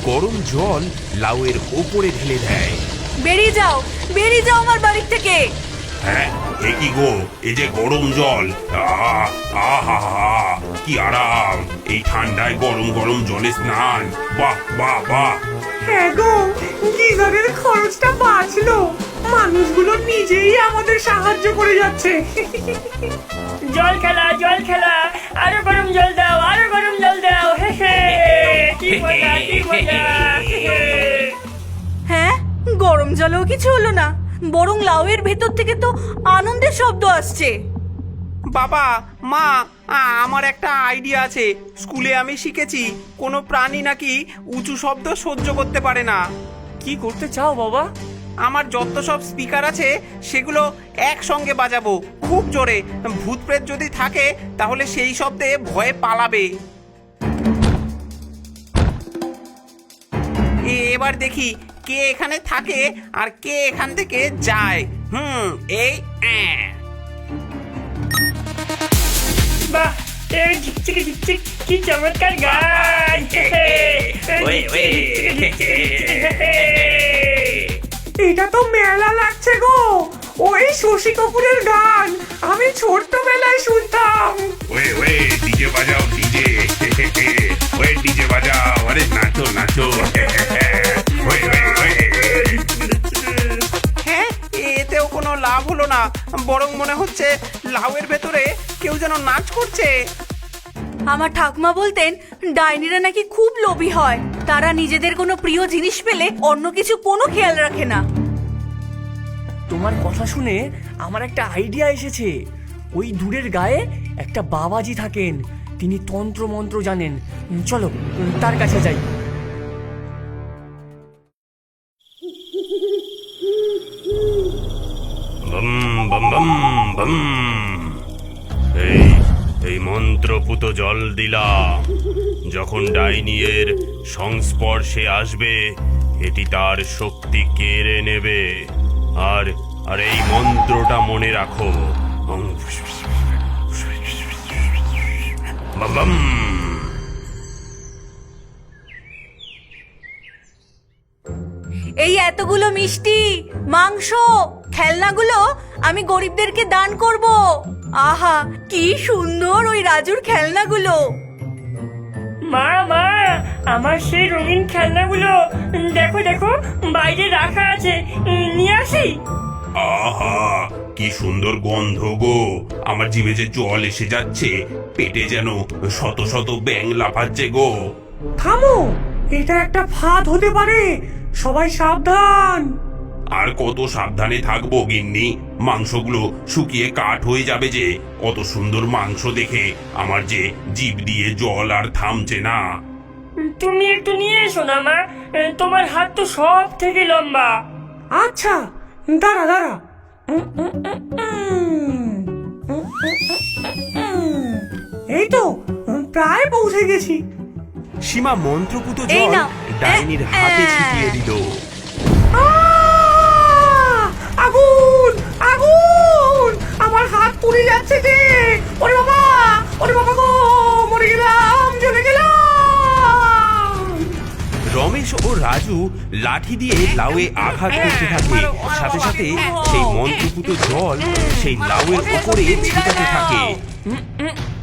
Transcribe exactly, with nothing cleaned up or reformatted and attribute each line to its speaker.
Speaker 1: গরম জল লাউয়ের ওপরে ঢেলে দেয়।
Speaker 2: বেরিয়ে যাও, বেরিয়ে যাও আমার বাড়ি থেকে।
Speaker 1: হ্যাঁ, এ কি গো, এই যে গরম জল, আহ আহা কি আরাম! এই ঠান্ডায় গরম গরম জলে স্নান, বাহ বাহ বাহ।
Speaker 3: হ্যাঁ গো, গিজারের খরচটা বাঁচলো। মানুষগুলো নিজেই আমাদের সাহায্য করে যাচ্ছে।
Speaker 4: জল খেলা, জল খেলা, আরো গরম জল দাও, আরো গরম জল দাও। হে হে, কি মজা, কি মজা।
Speaker 2: হ্যাঁ, গরম জলেও কিছু হলো না, বরং লাউয়ের ভেতর থেকে তো আনন্দের শব্দ আসছে।
Speaker 3: বাবা, মা, আমার একটা আইডিয়া আছে। স্কুলে আমি শিখেছি কোনো প্রাণী নাকি উঁচু শব্দ সহ্য করতে পারে না।
Speaker 4: কি করতে চাও বাবা?
Speaker 3: আমার যত সব স্পিকার আছে সেগুলো একসঙ্গে বাজাবো খুব জোরে। ভূত প্রেত যদি থাকে তাহলে সেই শব্দে ভয়ে পালাবে। এবার দেখি কে এখানে থাকে আর কে এখান থেকে যায়। হুম এই অ্যাঁ।
Speaker 4: বাহ, এই ঝিকঝিক ঝিকঝিক, কি চমৎকার গান।
Speaker 3: এটা তো মেলা লাগছে গো, ওই শশী কাপুরের গান আমি ছোট্টবেলায় শুনতাম।
Speaker 1: ওয়ে ওয়ে ডিজে বাজাও, ডিজে ওয়ে ডিজে বাজাও, আরে নাচো নাচো। ওয়ে ওয়ে ওয়ে।
Speaker 3: হ্যাঁ, এতেও কোনো লাভ হলো না, বরং মনে হচ্ছে লাউয়ের ভেতরে কেউ যেন নাচ করছে।
Speaker 2: আমার ঠাকুমা বলতেন ডাইনিরা নাকি খুব লোভী হয়, তারা নিজেদের কোনো প্রিয় জিনিস পেলে অন্য কিছু কোনো খেয়াল রাখে না।
Speaker 4: তোমার কথা শুনে আমার একটা আইডিয়া এসেছে। ওই দূরের গায়ে একটা বাবাজি থাকেন, তিনি তন্ত্র মন্ত্র জানেন। চলো তার কাছে যাই।
Speaker 1: বম বম বম বম। এই এই মন্ত্রপুত জল দিলা, যখন ডাইনিয়ের সংস্পর্শে আসবে এটি তার শক্তি কেড়ে নেবে। আর আর এই মন্ত্রটা মনে রাখো, বম বম।
Speaker 2: এই এতগুলো মিষ্টি, মাংস, খেলনাগুলো আমি গরিবদেরকে দান করব। আহা, কি সুন্দর ওই রাজুর খেলনাগুলো।
Speaker 4: মা মা, আমার সেই রঙিন খেলনাগুলো দেখো দেখো, বাইরে রাখা আছে, নিয়ে আসি।
Speaker 1: আহা কি সুন্দর গন্ধ গো, আমার জিভে যে জল এসে যাচ্ছে, পেটে যেন শত শত ব্যাঙ লাফাচ্ছে গো।
Speaker 3: থামো, এটা একটা ফাঁদ হতে পারে, সবাই সাবধান।
Speaker 1: আর কত সাবধানে থাকবো গিন্নি, মাংসগুলো শুকিয়ে কাঠ হয়ে যাবে যে। কত সুন্দর মাংস দেখে আমার যে জিভ দিয়ে জল আর থামছে না।
Speaker 4: তুমি একটু নিয়ে এসো না মা, তোমার হাত তো সব থেকে লম্বা।
Speaker 3: আচ্ছা দাঁড়া দাঁড়া, এই তো প্রায় পৌঁছে গেছি।
Speaker 1: সীমা মন্ত্রপুত
Speaker 2: এই
Speaker 1: জল
Speaker 2: নাও।
Speaker 1: ডাইনির
Speaker 2: এ-
Speaker 1: হাতে
Speaker 2: এ-
Speaker 1: ছিটিয়ে দিল।
Speaker 3: আহ! আগুন আগুন, আমার হাত পুড়ে যাচ্ছে যে। ওরে বাবা, ওরে বাবা গো, মরে গেলাম, জ্বলে গেলাম।
Speaker 1: রমেশ ও রাজু লাঠি দিয়ে লাউয়ে আঘাত করতে থাকে, সাথে সাথে সেই মন্ত্রপুত জল সেই লাউয়ের উপরে ছিটাতে থাকে।